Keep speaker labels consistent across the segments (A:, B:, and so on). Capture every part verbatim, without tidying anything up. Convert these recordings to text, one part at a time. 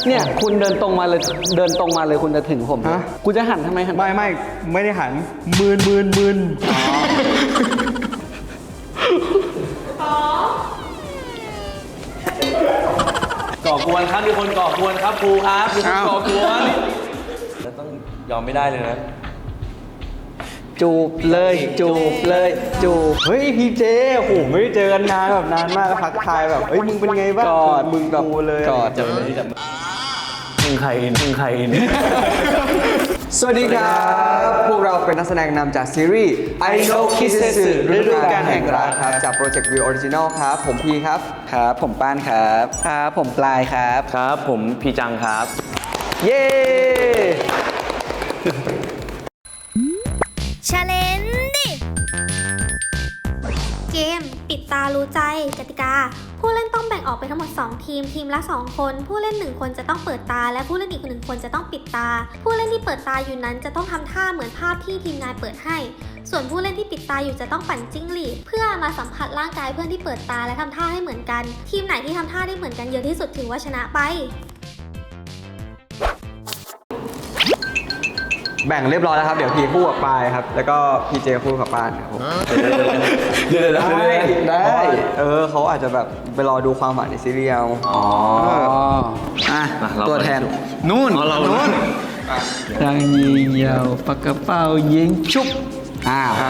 A: เนี่ยคุณเดินตรงมาเลยเดินตรงมาเลยคุณจะถึงผมฮะกูจะหันทำไมหัน
B: ไม่ไม่ไม่ได้หันมืนมืนมืน
C: ก่อกวนครับมีคนก่อกวนครับครูครับมีคนก่อกวนแล้วต้องยอมไม่ได้เลยนะ
A: จูบเลยจูบเลยจูบ
B: เฮ้ยพีเจโอ้โหไม่ได้เจอกันนานแบบนานมากทักทายแบบเฮ้ยมึงเป็นไงบ้าง
A: กอด
B: มึงกับกูเลย
A: กอด
C: จับมือจับมือมึงใครมึงใครเนี่ย
B: สวัสดีครับพวกเราเป็นนักแสดงนำจากซีรีส์ I Know Kissetsu ฤดูกาลแห่งรักครับจากโปรเจกต์ View Original ครับผมพีครับ
A: ครับผมป้านครับครับผมปลายครับ
C: ครับผมพีจังครับ
A: เย้
D: Challenge เกมปิดตารู้ใจกติกาผู้เล่นต้องแบ่งออกเป็นทั้งหมดสองทีมทีมละสองคนผู้เล่นหนึ่งคนจะต้องเปิดตาและผู้เล่นอีกหนึ่งคนจะต้องปิดตาผู้เล่นที่เปิดตาอยู่นั้นจะต้องทำท่าเหมือนภาพที่ทีมงานเปิดให้ส่วนผู้เล่นที่ปิดตาอยู่จะต้องปั่นจิ้งหรีดเพื่อมาสัมผัสร่างกายเพื่อนที่เปิดตาและทำท่าให้เหมือนกันทีมไหนที่ทำท่าได้เหมือนกันเยอะที่สุดถือว่าชนะไป
B: แบ่งเรียบร้อยแล้วครับเดี๋ยวพีคู่กับปายครับแล้วก็พีเจคู่กับป้านครับผม
C: เดี๋ยวได้
B: ได้เออเขาอาจจะแบบไปรอดูความหวานในซีรีส์เอา
A: อ๋ออ่ะตัวแทนนู่นนู่นทางยิงยาวปากกระเป๋ายิงชุบอ้าว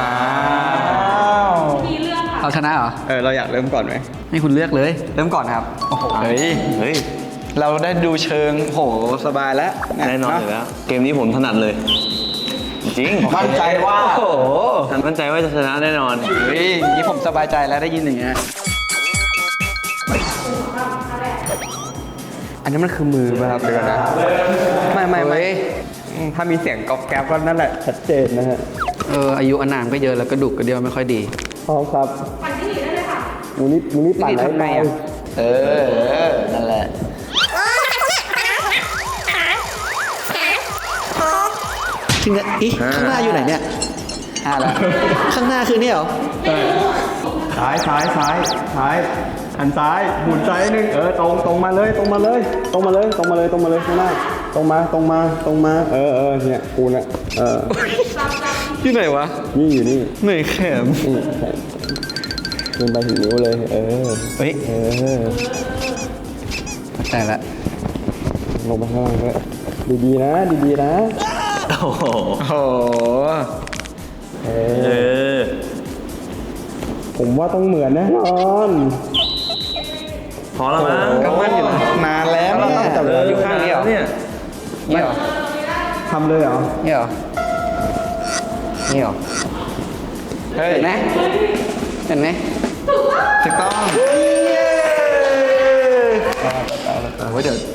A: เอาชนะเหรอ
B: เออเราอยากเริ่มก่อนไหม
A: ให้คุณเลือกเลย
B: เริ่มก่อนครับ
A: โอ้โหเฮ้ยเฮ้ยเราได้ดูเชิงโหสบายแล้ว
C: แน่นอนอยู่แล้วเกมนี้ผมถนัดเลยจริง
A: มั่นใจว่าโอ้โห
C: มั่นใจว่าจะชนะแน่นอน
A: เฮ้ยนี่ผมสบายใจแล้วได้ยินอย่างเงี้ย
B: อันนี้มันคือมือป่ะครับเดี๋ยวนะไม่ไม่ไม่ถ้ามีเสียงก๊อบแก๊บก็นั่นแหละชัดเจนนะฮะ
A: เอออายุอานามก็เยอะแล้วก็ดุกระเดียวไม่ค่อยดี
B: พร้อมครับปั่นที่หนีได้เลยค่ะมูนี่มูนี่ปั่น
A: ทำไงอ่ะเออนั่นแหละถึงจะอีข้างหน้าอยู่ไหนเนี่ยอ่าแล้วข้างหน้าคือนี่เหรอ
B: ซ้ายซ้ายซ้ายซ้ายหันซ้ายหมุนซ้ายนึงเออตรงตรงมาเลยตรงมาเลยตรงมาเลยตรงมาเลยตรงมาเลยข้างหน้าตรงมาตรงมาตรงมาเออเออเนี่ยกูเนี่ยเออ
A: ที่ไหนวะ
B: นี่อยู่นี่
A: ไหนแขม
B: นี่แขมขึ้นไปถึงนิ้วเลยเออ
A: เฮ้ย
B: เออ
A: แต่ละ
B: ลงไปข้างล่างด้วยดีๆนะดีๆนะ
C: โอ้โห
B: เออผมว่าต้องเหมือนแน่นอน
C: พอแล้วมั้ง
A: ก็มั่นอยู่นานแล้วเนี่ย
C: อยู่ข้างนี้เหรอเนี่ย
A: นี่เหรอ
B: ทำเลยเหรอ
A: นี่เหรอนี่เหรอเห็นไหมเห็นไหมถูกต้องโอ้ยเดี๋ยว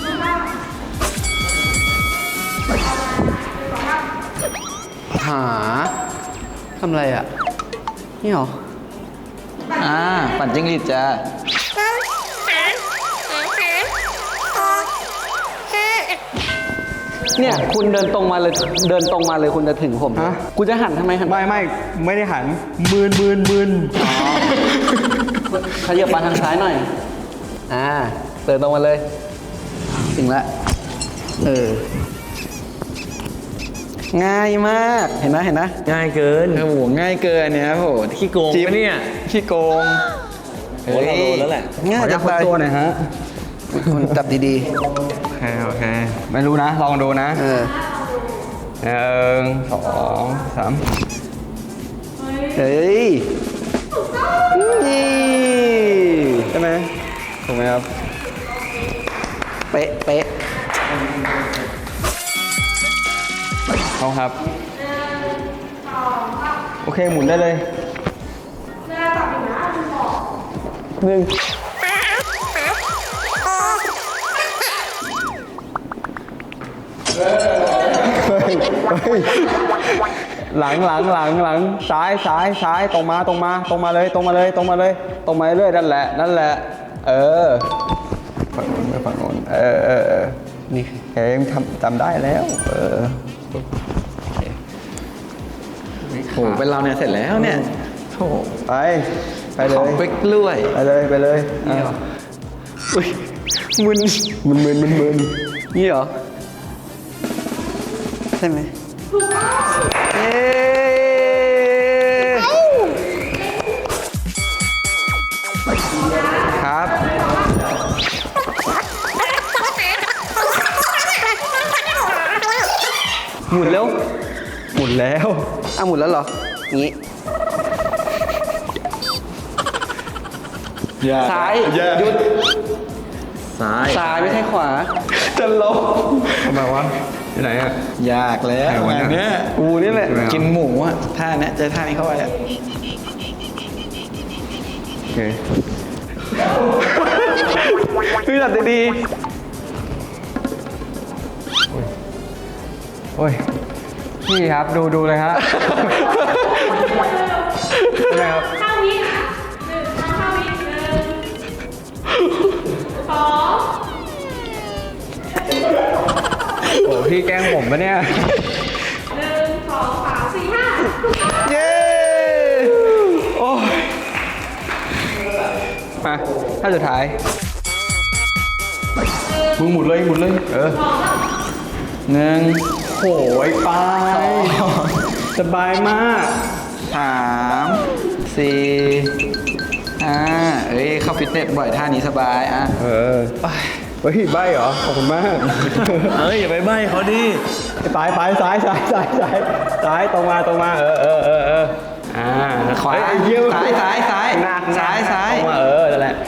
A: หาทำอะไรอ่ะนี่เหรออ่าปั่นจิ้งหรีดจ้าเนี่ยคุณเดินตรงมาเลยเดินตรงมาเลยคุณจะถึงผมฮะกูจะหันทำไมหัน
B: ไม่ไม่ไม่ได้หันมืนมืนมืน
A: อ๋อขยับมาทางซ้ายหน่อยอ่าเดินตรงมาเลยถึงละเออง่ายมากเห็นไหมเห็นไหม
C: ง่ายเกิน
A: โอ้โหง่ายเกินเนี่ยโอ้โห
C: ขี้โกงปะเนี่ย
A: ขี้โกง
C: โอ้เราโดนแล้วแหละ
A: ง่ายจังเลย
B: ตัวหน่อยฮะ
A: คุณจับดี
B: ๆโอเคโอเคไม่รู้นะลองดูนะ
A: เออ
B: หนึ่งสองสาม
A: เฮ้ยนี่
B: ใช่ไหมถูกไหมครับ
A: เป๊ะเป๊ะ
B: เอาครับโอเคหมุนได้เลยหนึ่งหลังหลังหลังหลังซ้ายซ้ายซ้ายตรงมาตรงมาตรงมาเลยตรงมาเลยตรงมาเลยตรงมาเรื่อยนั่นแหละนั่นแหละเออฝั่งโน้นไปฝั่งโน้นเออเออเออนี่เฮ้ยทำจำได้แล้วเออ
A: โหเป็นเราเนี่ยเสร็จแล้วเนี่ยโถ
B: ไปไปเลย
A: ของเป๊กล้วย
B: ไปเลยไปเลย
A: อุ้ยมึน
B: มันมึนมันมึน
A: นี่เหรอ ใช่ไหมเย้ครับ หมุนแล้ว
B: หมุนแล้ว
A: อ่ะหมุนแล้วเหรอ งี้ ซ้ายหยุด
C: ซ้าย
A: ซ้ายไม่ใช่ขวา
B: จะลบทำไมวะที่ไหนอ่ะ
A: ยากแล้ว
B: ไหนวะ
A: งาน
B: เนี่ย
A: เนี้ยกูนี่แหละ
B: ใช่ไหมครับ
A: กินหมูอ่ะท่าเนี้ยเจอท่านี้เข้าไปอ่ะ
B: โอเคพี่ตัดดีๆโอ้ยพี่ครับดูดูเลยฮะเป็นไงครับ
E: ห้าวิค่ะหนึ่งทำห้าวิหนึ่งสอง
B: โอ้พี่แกล้งผมปะเนี่ย
E: หนึ่งสองสามสี่ห้า
A: เย้
B: โอ้ยมาท่าสุดท้าย
A: มึงหมุนเลยหมุนเลย
B: เออ
A: หนึ่ง
B: โหยไปสบายมาก
A: สามสี่อ่าเอ้ยเข้าฟิตเนสบ่อยท่านี้สบายอ่ะ
B: เออเฮ้ยใบเหรอ ขอบคุณมาก
C: เฮ้ยอย่าไปใบ้เขาดิ
B: ซ้ายซ้ายซ้ายซ้ายซ้ายซ้ายซ้ายตรงมาตรงมาเออเออเออเอออ่า
A: ขวา
B: เฮ้ยไอ้เหี้
A: ซ้ายซ้ายซ้าย
B: หน้าหน้
A: ซ้ายซ้าย
B: ตรงมาเออนั่นแหละ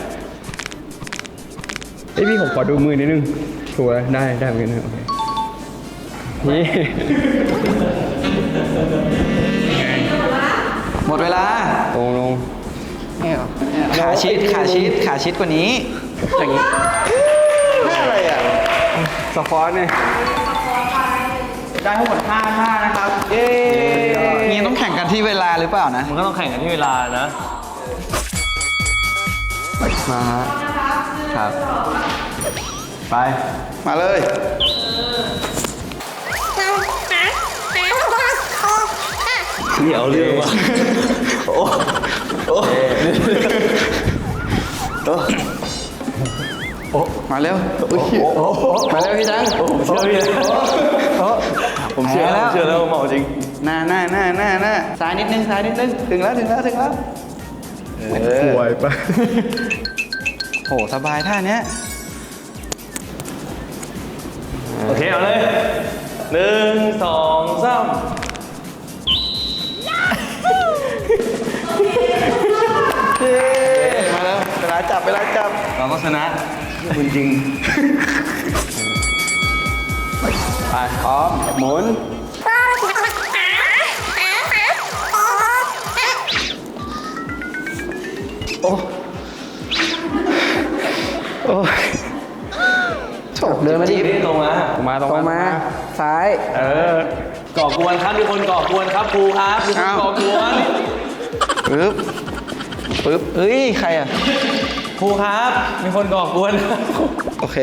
B: ไอยพี่ผมขอดูมือนิดนึงถูกแล้วได้ได้เหมือนกันนะโอเคนี่
A: หมดเวลา
B: ลงลง
A: นี่เหรอเนี่ยขาชิดขาชิดขาชิดกว่านี้ อย่างนี้อะไรอ่ะ
B: สควอตเนี่ย
A: ได้ทั้งหมดห้าท่านะครับ เย้งี้ต้องแข่งกันที่เวลาหรือเปล่านะ
C: มันก็ต้องแข่งกันที่เวลานะ
B: มาฮะ
A: ครับ
B: ไป
A: มาเลย
C: นี่เอาเรื่องว่ะโอ้โอ้
A: มาเร็วมาเร็วพี่จัง
C: ผมเชื่อพี่ผมเชื่อ
A: แพ้
C: ผ
A: แล้ว
C: มเชื่อแล้วว่าเมาจริง
A: หน้าหน้าหน้าหน้าหน้าซ้ายนิดนึงซ้ายนิดนึงถึงแล้วถึงแล้วถึงแล้วเออ
B: ป่วยไป
A: โหสบายท่าเนี้ย
C: โอเค เอาเลยหนึ่งสองสาม
A: เย้มาแล้วเวลาจับเวลาจับ
C: เราก็ชนะ
A: คุณจริง
B: ไปพร้อมหมุนโอ้โอ้โถเดินมาดิ
C: นี่ตรงมา
B: ตรงมาตรง
A: ตรง
B: มา
A: มาซ้าย
B: เออ
C: ก่อกวนครับมีคนก่อกวนครับครูครับมีคน
A: อ้าว
C: ก่อกวน
A: ปึ๊บปึ๊บเอ้ยใครอ่ะ
C: ครูครับมีคนก่อกวน
A: โอเค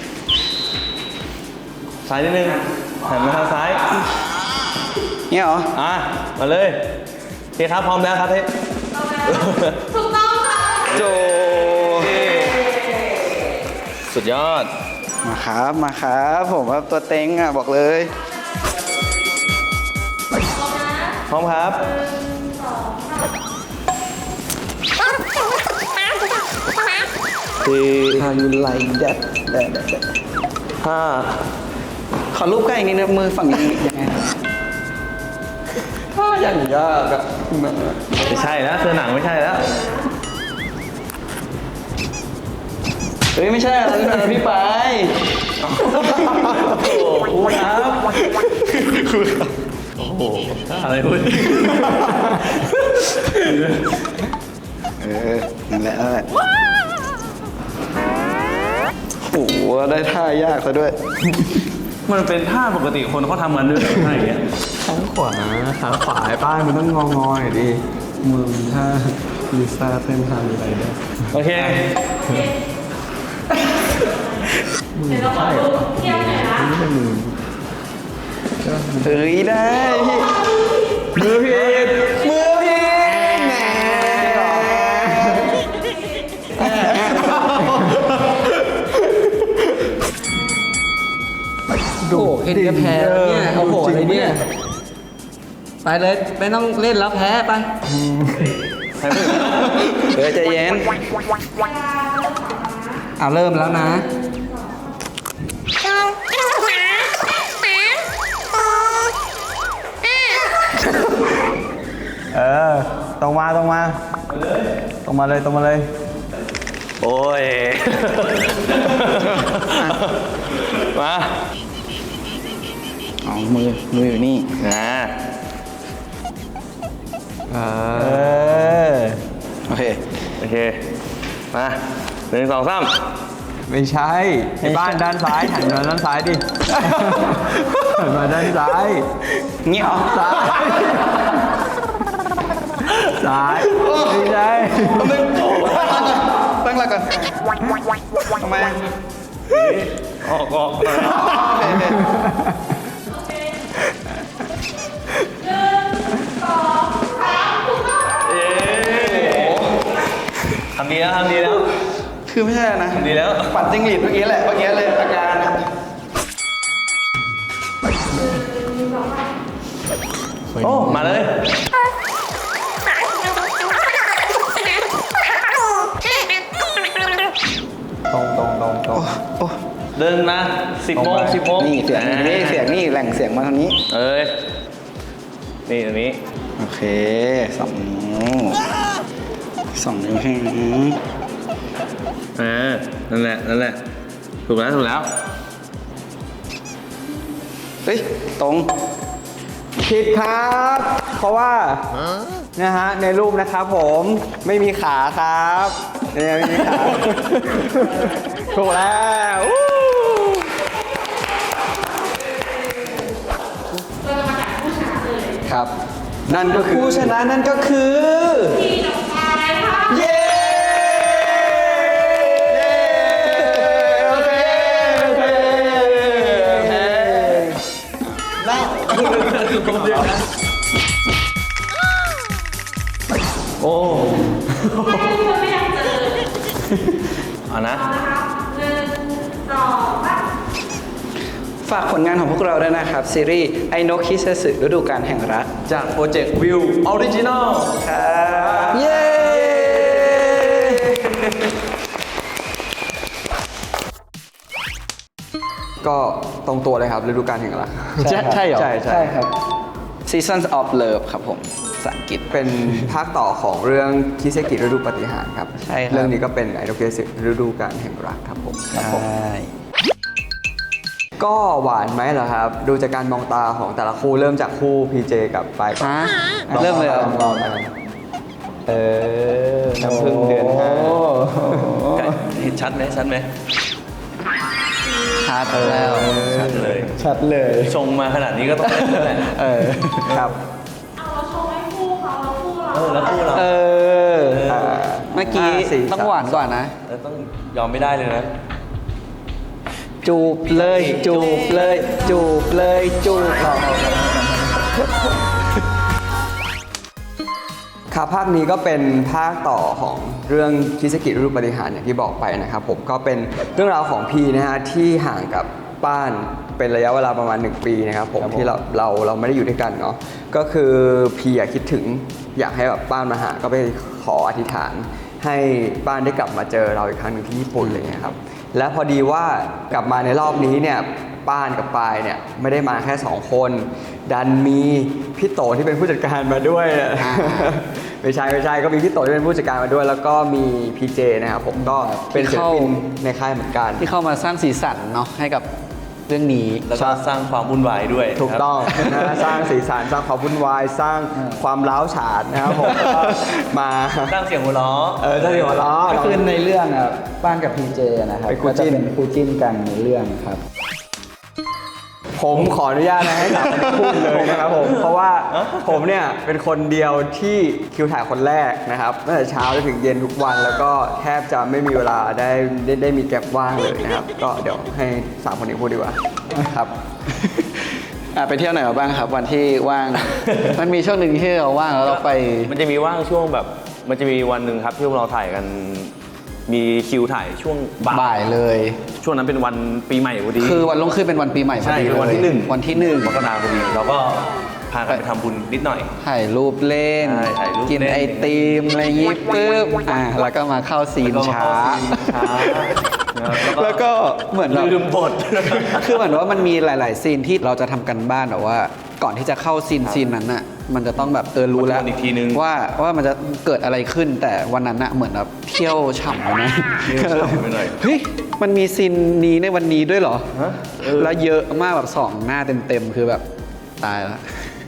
C: ซ้ายนิดนึงหันมาทางซ้าย
A: เนี่ยเหรอ
C: อ่ะมาเลยโอเคครับพร้อมแล้วครับเฮ้ย
E: ถูกต้องค่ะ
A: โจ
C: สุดยอด
A: มาครับมาครับผมว่าตัวเต็งอ่ะบอกเลย
C: พร้อมครับ
A: คือ how you like that that that that
C: ห้า
A: ขอรูปใกล้อีกนิดนึงมือฝั่งนี้ยังไงถ้าอย่างยากอะ
C: ไม่ใช่แล้วเสื้อหนังไม่ใช่แล้ว
A: เฮ้ยไม่ใช่อะไรนะพี่ไป
C: โอ้ครูครับโอ้โหอะไรพูด
A: เออนั่นแหละนั่นแหละโอ้โหได้ท่ายากซะด้วย
C: มันเป็นท่าปกติคนเขาทำกันด้วยเหรอท่าอย่างเงี้ย
B: ข้างขวาขาขวาไอ้ป้ายมันต้องงองอยดิมือถ้าลิซ่าเต้นทางอะไรได้
C: โอเค
E: เดี๋ยวเราขอดูเทียบหน่อยนะ
B: ไม่ใช่มือ
A: เฮ้ยได้พี่มือพี่มือพี่แหมค่นี้ก็แพ้แล้วเนี่ยโอ้โหอะไรเนี่ยไปเลยไม่ต้องเล่นแล้วแพ้ไปเดี๋ยวใจเย็นเอาเริ่มแล้วนะ
B: เออตรงมาตรงมาตรงมาเลยตรงมาเลย
C: โอ้ย มา
A: เอามือมืออยู่นี่
C: นะ
A: เอ
B: เอ
A: อ
B: อ
A: โอเค
C: โอเค มาหนึ่งสองสาม
B: ไม่ใช่ไอ้บ้านด้านซ้ายหันมาด้านซ้ายดิหันมาด้านซ้าย
A: เงี้ย
B: ซ้ายซ้ายไม่ใช่
A: ตั้งหลักก่อนทำไม
C: ออกออก ทำดีแล้วทำดีแล้ว
A: คือไม่ใช่นะ
C: ทำดีแล้ว
A: ปัดจิ้งหรีดเมื่อกี้แหละเมื่อกี้เลยอาการนะ
C: โอ้ มาเลย
B: ตรงตรงตรงตรง
A: โอ้
C: เดินมาสิบโมงสิบโมง
A: นี่เสียงนี่เสียงนี่แหล่งเสียงมาทางนี้
C: เอ้ย นี่ตรงนี้
A: โอเคสองนิ้วสองนิ้วใช่ไหม
C: อ่า นั่นแหละ นั่นแหละ ถูกแล้ว ถูกแล้ว
A: เฮ้ยตรง
B: ผิดครับ เพราะว่านะฮะในรูปนะครับผมไม่มีขาครับเนี่ยไม่มีขา ถูกแล้วอู้
A: ครับ
B: นั่นก็คือ
A: ผู้ชนะนั่นก็คือ
E: ทีต่อไปค่ะ
A: เย้
B: โอเคโอเคโอเค
C: โอ้
E: ไม่ทุกคนไม่อยากเจอ
C: เอานะ
E: เอานะคะหนึ่งสองสาม
A: ฝากผลงานของพวกเราด้วยนะครับ ซีรีส์ไอโนคิเซสึฤดูกาลแห่งรัก
C: จากโปรเจกต์วิวออริจินอล
A: ครับเย้
B: ก็ตรงตัวเลยครับฤดูกาลแห่งรัก
A: ใช่ใช่เหรอ
B: ใช่ใช่
A: ครับ Seasons of Love ครับผมภาษาอังกฤษ
B: เป็นภาคต่อของเรื่องคิเซกิฤดูปาฏิหาริย์ครับ
A: ใช่ครับ
B: เรื่องนี้ก็เป็นไอโดเกสึฤดูกาลแห่งรักครับผมครับผม ก็หวานไหมเหรอครับ ดูจากการมองตาของแต่ละคู่เริ่มจากคู่พีเจกับปายก่อน
A: ฮะ
B: ลอง
A: เริ่มเลยเหรอ
B: ลองลองลองเออน้ำพึ่งเดือนห้า
C: เห็นชัดไหมชัดไหม
A: ชัดแล้ว
C: ชัดเลย
B: ชัดเลย
C: ชงมาขนาดนี้ก็ต้องเป็นแล้วแหละ
B: เออครับ
E: เอาเราโชว์ให้คู่เขาแล้วคู่เรา
C: เออ แล้วคู่เรา
A: เออ
B: อ่า
A: เมื่อกี้
B: ห้าสี่
A: ต้อง
B: สาม
A: หวานก่อนนะ
C: แล้วต้องยอมไม่ได้เลยนะ
A: จูบเลย จูบเลย จูบเลย จูบ
B: ครับภาคนี้ก็เป็นภาคต่อของเรื่องคิเซกิฤดูปาฏิหาริย์อย่างที่บอกไปนะครับผมก็เป็นเรื่องราวของพีนะฮะที่ห่างกับป้านเป็นระยะเวลาประมาณหนึ่งปีนะครับผมที่เราเราเราไม่ได้อยู่ด้วยกันเนาะก็คือพีอยากคิดถึงอยากให้แบบป้านมาหาก็ไปขออธิษฐาน ให้ป้านได้กลับมาเจอเราอีกครั้งหนึ่งที่ญี่ปุ่นเลยนะครับและพอดีว่ากลับมาในรอบนี้เนี่ยป้านกับปายเนี่ยไม่ได้มาแค่สองคนดันมีพี่โตที่เป็นผู้จัดการมาด้วย ไม่ใช่ไม่ใช่ก็มีพี่โตที่เป็นผู้จัดการมาด้วย แล้วก็มีพีเจนะครับผมก็เป็นศิลปินในค่ายเหมือนกัน
A: ที่เข้ามาสร้างสีสันเนาะให้กับเรื่องนี้
C: แล้วก็สร้างความวุ่นวายด้วย
B: ถูกต้อง
C: ครับ
B: นะสร้างสีสันสร้างความวุ่นวายสร้างความร้าวฉานนะครับผมก็มา
C: สร้างเสียงหัวเราะ
B: เออถ้าที่หัวเราะ
F: ก็คือในเรื่องอ่ะป้านกับพีเจนะครับ
B: เป็นคู่
F: ก็จะ
B: จิ้น
F: เป็นคู่จิ้นกันในเรื่องครับ
B: ผมขออนุญาตนะให้สามคนพูดเลยนะครับผมเพราะว่าผมเนี่ยเป็นคนเดียวที่คิวถ่ายคนแรกนะครับตั้งแต่เช้าจนถึงเย็นทุกวัน แล้วก็แทบจะไม่มีเวลาได้ได้ได้มีแก็บว่างเลยนะครับ ก็เดี๋ยวให้สามคนนี้พูดดีกว่าครับ
A: อ่ะไปเที่ยวไหนมาบ้างครับ วันที่ว่าง มันมีช่วงหนึ่งที่เราว่างแล้วเราไป
C: มันจะมีว่างช่วงแบบ มันจะมีวันหนึ่งครับที่พวกเราถ่ายกันมีคิวถ่ายช่วงบ่า
A: บ่าย ยเลย
C: ช่วงนั้นเป็นวันปีใหม่พอดี
A: คือวันรุ่งขึ้นเป็นวันปีใหม่พอ
C: ใช่
A: ดี
C: เป็นวัน
A: เลย
C: ที่หนึ่ง
A: วันที่หนึ่ง
C: มกราคมพอดีเราก็พากันไปทำบุญนิดหน่อย
A: ถ่ายรูปเล่น
C: ใช่ถ่ายรูป
A: กิน
C: เล่น
A: ไอติมอะไรอย่างงี้ปุ๊บอ่ะแล้วก็มาเข้าซีน
C: แล้วก็มา
A: ช้า
C: เข้าซีนช้า
A: แล้วก็เหมือนแบบ
C: ลืมบท
A: คือเหมือนว่ามันมีหลาย ๆ ซีนที่เราจะทำกันบ้านแบบว่า ก่อนที่จะเข้าซีนซีนนั้นน่ะมันจะต้องแบบเออรู้แล้ว
C: ทวนอีกทีนึง
A: ว่าว่ามันจะเกิดอะไรขึ้นแต่วันนั้นน่ะเหมือนแบบเที่ยวฉ่ำไปนะ
C: เที่ยวฉ่ำไปหน่อย
A: เฮ้ยมันมีซีนนี้ในวันนี้ด้วยเหรอ
C: ฮะเออ
A: แล้วเยอะมากแบบสองหน้าเต็ม ๆ คือแบบตายละ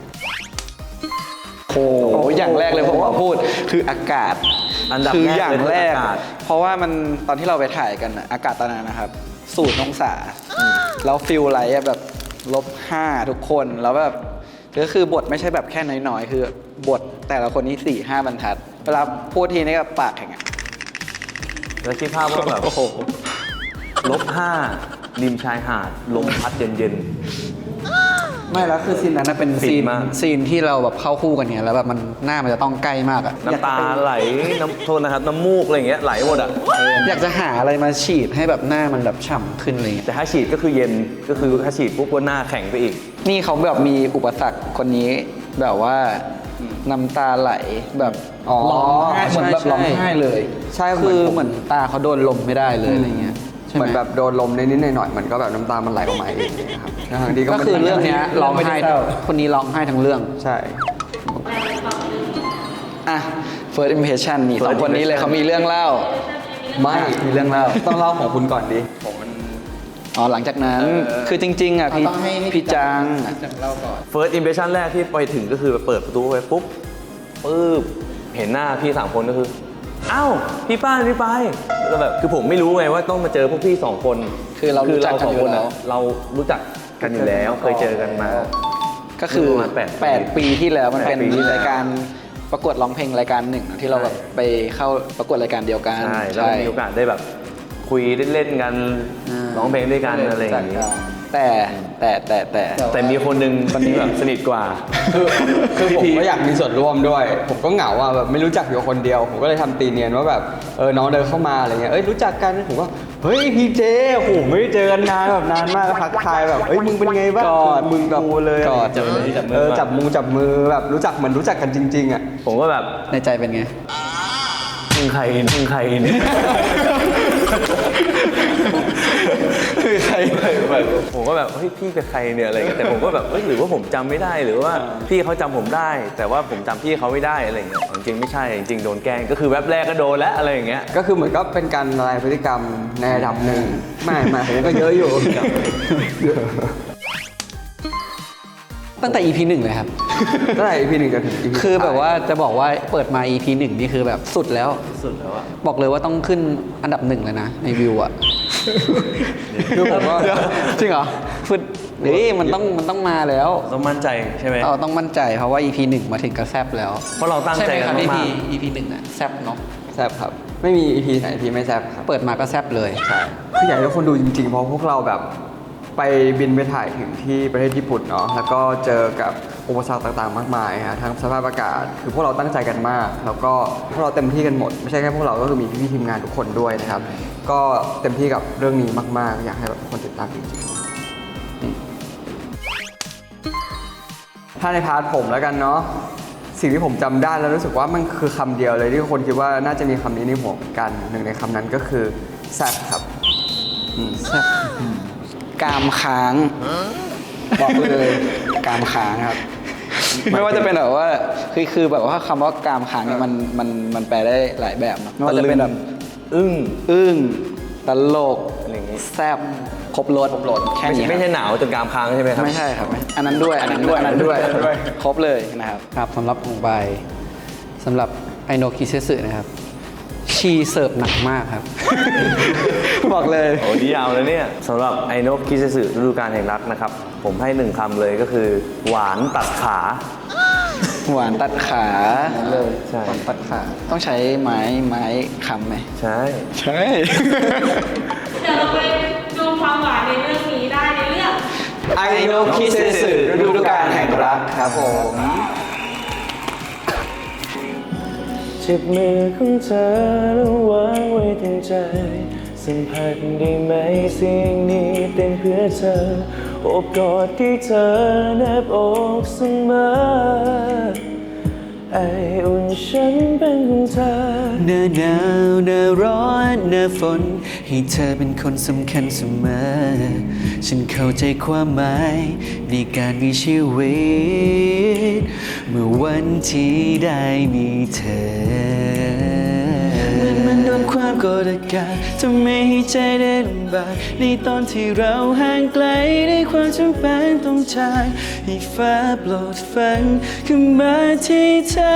A: โอ้โหอย่างแรกเลยผมว่าพูดคืออากาศ
C: อันดับ
A: คือ
C: แรก
A: อย่างแรก
C: เลยคืออากาศ
A: เพราะว่ามันตอนที่เราไปถ่ายกันน่ะอากาศตอนนั้นนะครับศูนย์องศาแล้วฟิลไลท์อะแบบลบห้าทุกคนแล้วแบบก็คือบทไม่ใช่แบบแค่น้อยๆคือบทแต่ละคนนี่สี่ห้าบรรทัดเวลาพูดทีนี่ก็ปากแข็งอะ
C: แล้วคิดภาพว่าแบบ
A: โอ้โห
C: ลบห้าริมชายหาดลมพัดเย็น
A: ไม่แล้วคือซีนนั้นนะเป็น
C: ฟิน
A: ซีน
C: มาก
A: ซีนที่เราแบบเข้าคู่กันเนี่ยแล้วแบบมันหน้ามันจะต้องใกล้มากอะ
C: ๆน้ำตาไหลน้ำโทษนะครับน้ำมูกอะไรอย่างเงี้ยไหลหมดอ่ะ
A: อยากจะหาอะไรมาฉีดให้แบบหน้ามันแบบฉ่ำขึ้นอะไรเงี้ย
C: แต่ถ้าฉีดก็คือเย็นก็คือถ้าฉีดปุ๊บก็หน้าแข็งไปอีก
A: นี่เขาแบบมีอุปสรรคคนนี้แบบว่าน้ำตาไหลแบบ
B: อ๋อ
A: ร้องไห้เหมือนแบบ
B: ใช่
A: ร้องไห้เลย
B: ใช่เหมื
A: คื
B: อน
A: อ
B: ผม
A: เหมือนตาเขาโดนลมไม่ได้เลยอะไรเงี้ยใช่
B: เห
A: ไหม
B: มือนแบบโดนลมนิดๆหน่อยๆมันก็แบบน้ำตามันไหลออกมาเองนะครับทั้งๆที่
A: ก็
B: ไม่
A: คือ
B: ได้
A: เรื่องเนี้ยร้องไห้
B: ม่ด้เศร้า
A: คนนี้ร้องไห้ทั้งเรื่อง
B: ใช่
A: อ่ะ first impression นี่สองคนนี้เลยเขามีเรื่องเล่า
B: ไม่
A: มีเรื่องเล่า
B: ต้องเล่าของคุณก่อนดิผมมัน
A: อ๋อหลังจากนั้นคือจริง ๆอ่ะพี่พี่จัง
C: first impression แรกที่ไปถึงก็คือเปิดประตูไปปุ๊บปุ๊บเห็นหน้าพี่สามคนก็คืออ้าวพี่ป้านพี่ไปายแล้วแบบคือผมไม่รู้ไงว่าต้องมาเจอพวกพี่สองคน
A: คือเรารู้จักกัน
C: สอง
A: อยู่
C: คน
A: แล้ว
C: อะเรารู้จักกันอยู่แล้วเคยเจอกันมา
A: ก็คือ
C: ประมาณแปดปี
A: แปดปีที่แล้วมันเป็น
C: แปดปีที่แล้ว
A: รายการประกวดร้องเพลงรายการหนึ่งที่เราแบบไปเข้าประกวดรายการเดียวกัน
C: ใช่แล้วมีโอกาสได้แบบคุยเล่นๆกัน
A: อ่า
C: ร้องเพลงด้วยกันอะไรอย่างนี้
A: แต่แต่แต่แต่
C: แต่มีคนหนึ่งที่แบบสนิทกว่า
B: คือคือผม
C: พี่
B: ก็อยากมีส่วนร่วมด้วย ผมก็เหงาอ่ะแบบไม่รู้จักอยู่คนเดียว ผมก็เลยทำตีเนียนว่าแบบเออน้องเดินเข้ามาอะไรเงี้ยเอ้ยรู้จักกันผมก็เฮ้ยพี่เจโอ้โหไม่ได้เจอกันนานแบบนานมากก็ทักทายแบบเอ้ยมึงเป็นไงบ้าง
A: กอด
B: มึงแบบเลย
A: กอด
C: จับมือจับมือ
B: เออจับมือจับมือแบบรู้จักเหมือนรู้จักกันจริงๆอ่ะ
C: ผมก็แบบ
A: ในใจเป็นไง
C: มึงใครมึงใครเนี่ย
A: คือใคร
C: ผมก็แบบเฮ้ยพี่เป็นใครเนี่ยอะไรเงี้ยแต่ผมก็แบบเอ้ยหรือว่าผมจำไม่ได้หรือว่าพี่เขาจำผมได้ แต่ว่าผมจำพี่เขาไม่ได้อะไรเงี้ยจริงๆไม่ใช่จริงๆโดนแกล้งก็คือแวบแรกก็โดนแล้วอะไรอย่างเงี้ย
B: ก็คือเหมือนก็เป็นการละลายพฤติกรรมในระดับหนึ่งไม่ไม่ผมก็เยอะอยู่
A: ตั้งแต่ อี พี หนึ่งเลยครับ
B: ตั้งแต่ อี พี หนึ่งจนถึง อี พี
A: คือแบบว่าจะบอกว่าเปิดมา อี พี หนึ่งนี่คือแบบสุดแล้ว
C: สุดแล้วอะ
A: บอกเลยว่าต้องขึ้นอันดับหนึ่งเลยนะ ในวิวอ่ะ
B: คือผมก็
A: เดี๋ยวจริงเหรอฟึดนี่มันต้องมันต้องมาแล้ว
C: ต้องมั่นใจใช่ไหม
A: เราต้องมั่นใจเพราะว่า อี พี หนึ่งมาถึงก็แซบแล้ว
C: เพราะเราตั้ง
A: ใช่
C: ใจ
A: ไหม
C: กั
A: คน รับ
C: มาก
A: อี พี หนึ่งอ่ะแซบเนาะ
B: แซบครับ ไม่มี อี พี ไหนที่ไม่แซบครับ
A: เปิดมาก็แซบเลย
B: ใช่คืออยากให้ทุกคนดูจริงๆ เพราะพวกเราแบบไปบินไปถ่ายถึงที่ประเทศญี่ปุ่นเนาะ แล้วก็เจอกับอุปสรรคต่างๆ มากมายฮะทั้งสภาพอากาศ คือพวกเราตั้งใจกันมาก แล้วก็พวกเราเต็มที่กันหมด ไม่ใช่แค่พวกเรา ก็คือมีพี่ๆทีมงานทุกคนด้วยนะครับ ก็เต็มที่กับเรื่องนี้มากๆ อยากให้แบบทุกคนติดตามจริงๆถ้าในพาร์ทผมแล้วกันเนาะ สิ่งที่ผมจำได้แล้วรู้สึกว่ามันคือคำเดียวเลยที่คนคิดว่าน่าจะมีคำนี้ในหัวเหมือนกัน หนึ่งในคำนั้นก็คือแซ่บครับอืม
A: แซ่บกามค้างบอกเลยกามค้างครับ ไม่ว่าจะเป็นแบบว่าคือคือแบบว่าคำว่ากามค้างเนี่ยมันมันมันแปลได้หลายแบบเนอะไม่ว่าจะเป็นแบบ
C: อึ้ง
A: อึ้งตลก
C: อะไรอย่างงี้
A: แซ่บครบรสแค่
C: ไม่
A: นี้
C: ใช่ไม่ใช่หนาวจนกรามค้างใช่ไหมครับ
A: ไม่ใช่ครับ อันนั้นด้วยอันนั้นด้วยอันนั้นด้วยครบเลยนะครับครับสำหรับของใบสำหรับไอโนคิเซสึนะครับ ชีเสิร์ฟหนักมากครับ บอกเลย
C: โอ้ดียาวเลยเนี่ยสำหรับไอโนกคิเซสึฤดูกาลแห่งรักนะครับ ผมให้หนึ่งคำเลยก็คือ หวานตัดขา
A: หวานตัดขา
C: เลย ใช่
A: หวานตัดขา ต้องใช้ไม้ไม้คำไหม
C: ใช่
A: ใช่
E: เดี๋ยวเราไปดูความหวานในเรื่องนี้ได้ในเรื่อง
A: ไอโนคิเซสึฤดูกาลแห่งรักครับผม
C: เจ็บมือของเธอแล้ววางไว้ตรงใจสัมผัสได้ไหมเสียงนี้เต้นเพื่อเธอโอบกอดที่เธอแนบอกเสมอไออุ่นฉันเป็นของเธอ
G: หน้าหนาวหน้าร้อนหน้าฝนให้เธอเป็นคนสำคัญเสมอฉันเข้าใจความหมายในการมีชีวิตเมื่อวันที่ได้มีเธอมันมันโดนความกดอากาศทำให้ใจได้ลำบากในตอนที่เราห่างไกลในความจำเป็นต้องจากให้ฟ้าโปรดฟังขึ้นมาที่เธอ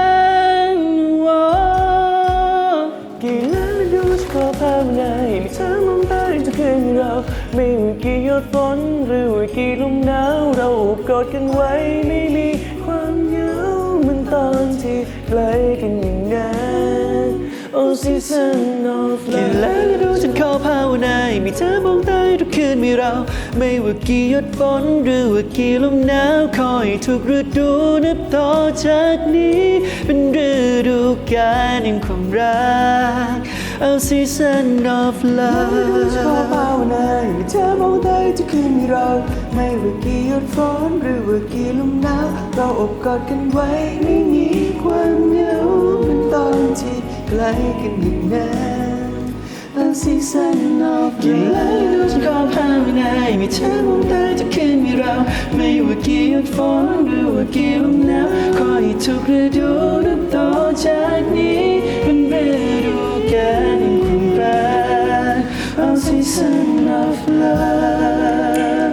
G: กี่แล้วดูจะขอภาวนาให้มีเธอมองตาจะคืนเราไม่ว่ากี่หยดฝนหรือว่ากี่ลมหนาวเราโอบกอดกันไว้ไม่มีความเหงาเหมือนตอนที่ใกล้กันอย่างนั้น Oh season of love กี่แล้วดูฉันขอภาวนาให้มีเธอมองตาทุกคืนมีเราไม่ว่ากี่หยดฝนหรือว่ากี่ลมหนาวคอยทุกฤดูนับต่อจากนี้เป็นฤดูกาลแห่งความรัก Oh season of love ขอภาวนาให้มีเธอมองตาทุกคืนมีเราไม่ว่ากี่หยดฝนหรือว่ากี่ลมหนาวเราอบกอดกันไว้ไม่มีความเหงาเหมือนตอนที่ใกล้กันอย่างนั้น A season of love กี่แล้วดูฉันขอภาวนาให้มีเธอมองตาทุกคืนมีเราไม่ว่ากี่หยดฝนหรือว่ากี่ลมหนาวขอให้ทุกฤดูนับต่อจากนี้เป็นฤดูกาลแห่งความรัก A season of love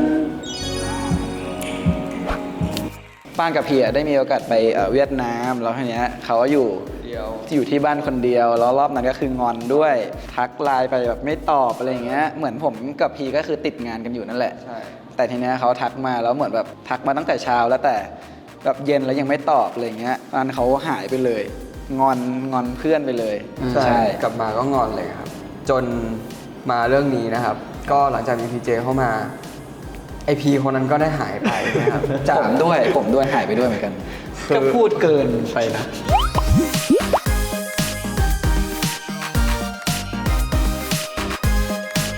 A: ป้านกับพี่อะได้มีโอกาสไปเอ่อเวียดนามแล้วทีเนี้ยเขาก็อยู่อยู่ที่บ้านคนเดียวแล้วรอบนั้นก็คืองอนด้วยทักไลน์ไปแบบไม่ตอบอะไรอย่างเงี้ยเหมือนผมกับพีก็คือติดงานกันอยู่นั่นแหละแต่ทีเนี้ยเขาทักมาแล้วเหมือนแบบทักมาตั้งแต่เช้าแล้วแต่แบบเย็นแล้วยังไม่ตอบอะไรอย่างเงี้ยอันเขาหายไปเลยงอนงอนเพื่อนไปเลย
B: ใช่กลับมาก็งอนเลยครับ จนมาเรื่องนี้นะครับ ก็หลังจากมีพีเจเข้ามาไอพีคนนั้นก็ได้หายไปนะครับ
A: ผมด้วยผมด้วยหายไปด้วยเหมือนกันก็พูดเกินไปนะ